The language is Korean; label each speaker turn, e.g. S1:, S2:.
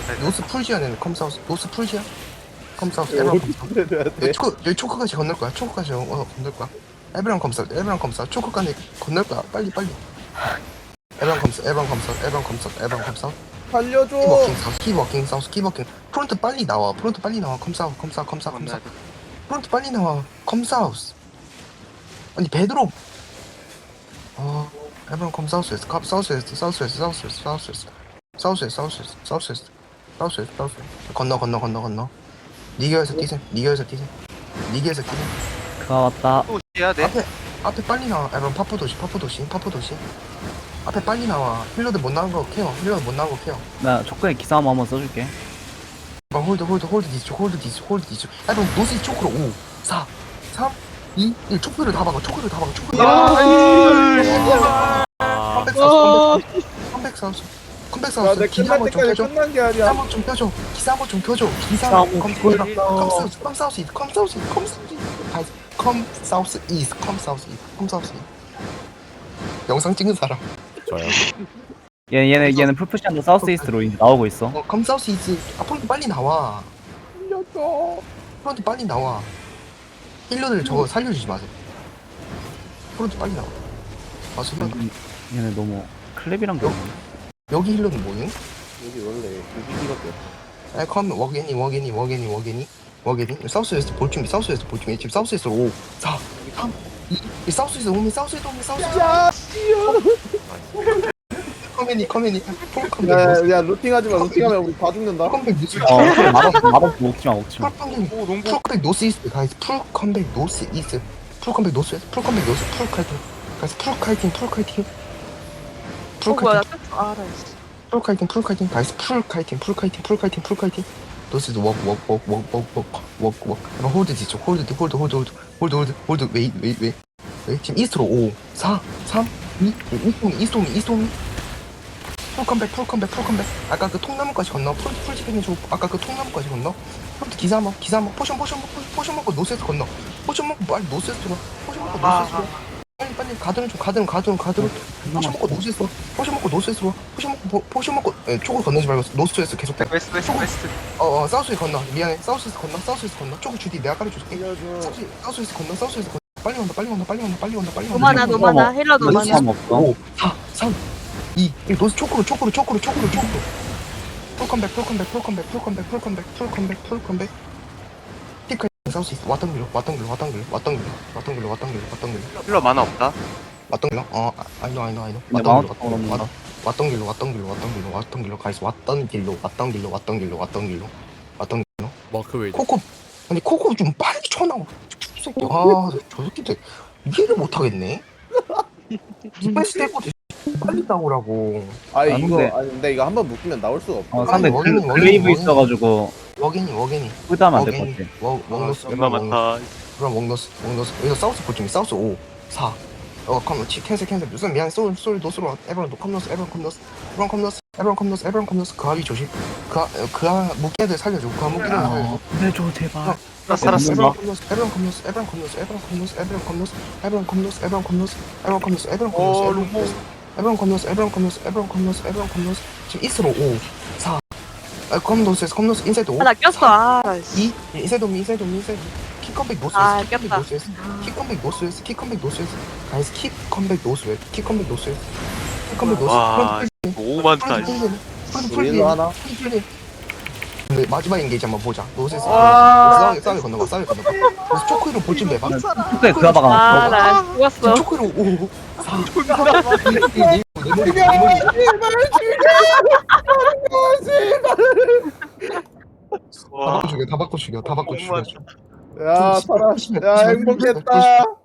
S1: 노스 풀지아는 컴사우스 노스 풀지아 컴사우스 에브랑 컴사우스 여기 초크까지 건널 거야 초크까지 건널 거야 에브랑 컴사우스 에브랑 컴사우스 초크까지 건널 거야 빨리 에브랑 컴사우스 에브랑 컴사우스 에브랑 컴사우스 에브랑 컴사우스
S2: 살려줘.
S1: 키워킹 사우스 프론트 빨리 나와 컴사우스 프론트 빨리 나와 컴사우스 아니 베드로 에브랑 컴사우스에서 사우스에서 건너 니겨에서 뛰셈
S3: 그가 왔다.
S4: 또 해야 돼?
S1: 앞에 빨리 나와 에브랑 파푸 도시 앞에 빨리 나와 힐러들 못 나온 거 케어
S3: 나 촉구에 기사 한번 써줄게.
S1: 홀드 디스 에브랑 노스 초크로 5 4 3 2 1 초크를 다 박아 컴백
S2: 야, 내
S1: 기사
S2: 끝날
S1: 한번 좀
S2: 때까지
S1: 켜줘
S2: 끝난 게 아니야.
S1: 기사 한번 좀 켜줘 컴사우스 이스 영상 찍은 사람
S5: 저요.
S3: 얘는 풀푸시한도 사우스 이스트로 이제 나오고 있어.
S1: 컴사우스 이스 프론트 빨리 나와 힐러들 저거 살려주지 마세요 프론트 빨리 나와 맞아 힐러
S3: 얘네 너무 클랩이랑 겨.
S1: 여기 힐러는 뭐예요?
S2: 여기 원래 무기기밖에 없어.
S1: 컴 워게니 사우스에서 볼 준비 지금 사우스에서 5 4 3 2 사우스에서 오면 사우스에서
S2: 야, 씨요.
S1: 커맨이 폴컴백
S2: 야, 루팅하지 마. 루팅하면 우리 다 죽는다.
S1: 컴백 노스
S3: 맛없어 먹지마.
S4: 오 농구
S1: 풀컴백 노스 이스트 가이즈 풀컴백 노스 이스트 풀컴백 노스 가이즈 풀카이팅
S6: 뭐야, 나 뺐어. 아, 나 있어.
S1: 풀카이팅 가이즈 풀카이팅 노스 워크 홀드 뒤쪽 홀드 웨이 지금 이스트로 5 4 3 2 이스트오미 풀컴백 아까 그 통나무까지 건너 풀지핑 해줘 아까 그 통나무까지 건너 프론트 기사 먹 포션 먹고 노스에서 건너 포션 먹고 빨리 노스에서 들어 포션 먹고 노스에서 들어 빨리 가드는 포션 먹고 노스에서 들어 포션 먹고 초코 건너지 말고 노스에서 계속 돼
S4: 웨스트
S1: 사우스에 건너 미안해 사우스에서 건너 초코 주디 내가 가르쳐줄게
S2: 살려줘.
S1: 사우스에서 건너 빨리 온다
S6: 노마나, 노마나. 힐러 노마나.
S3: 노스함 없어.
S1: 5 4 3 2 1 노스 초코로 풀컴백 티크 사우스 있어 왔던 길로
S4: 힐러 만화 없다
S1: 왔던 길로 I know
S3: 근데 마운트
S1: 왔던 길로 가이스 왔던 길로
S5: 마크 웨이.
S1: 코코 좀 빨리 쳐나와 새끼 저 새끼들 이해를 못하겠네 디펜스 때고 빨리 나오라고
S2: 아니,
S3: 안
S2: 이거,
S3: 돼.
S2: 근데 이거 한번 묶으면 나올 수가 없어.
S3: 상대
S1: 워게니,
S3: 글레이브
S1: 워게니.
S3: 있어가지고
S1: 워게니
S3: 끄다면 안될 것 같아.
S1: 웍노스
S4: 얼마 많다
S1: 그럼 웍노스 여기서 사우스 볼중이 사우스 5 4 컴 캔슬 무슨 미안해 소울 노스로 에브런 컴노스 그 아비 조심 그 무기들 살려줘 그 무기들 살려줘
S3: 내줘 제발.
S4: 나 살았어
S1: 지금 이스로 5 4 컴노스 인사이드 5
S6: 아, 나 꼈어. 아, 나 있어.
S1: 2 인사이드 킥컴백
S6: 아,
S1: 노스웨스
S6: 꼈다.
S1: 킥컴백 노스웨스 가이스 킥컴백 노스웨스
S4: 와 너무 많다
S2: 우리도 하나?
S1: 근데 마지막 인게이지 한번 보자 노스웨스
S6: 와.
S1: 싸게 건너봐 그래서 초크로 볼 준비해봐
S3: 촉구에 그가
S6: 아,
S3: 박아놨어.
S6: 나 죽었어.
S1: 초크로 5 4 다 바꿔 죽여
S2: 야, 살아. 야, 행복했다.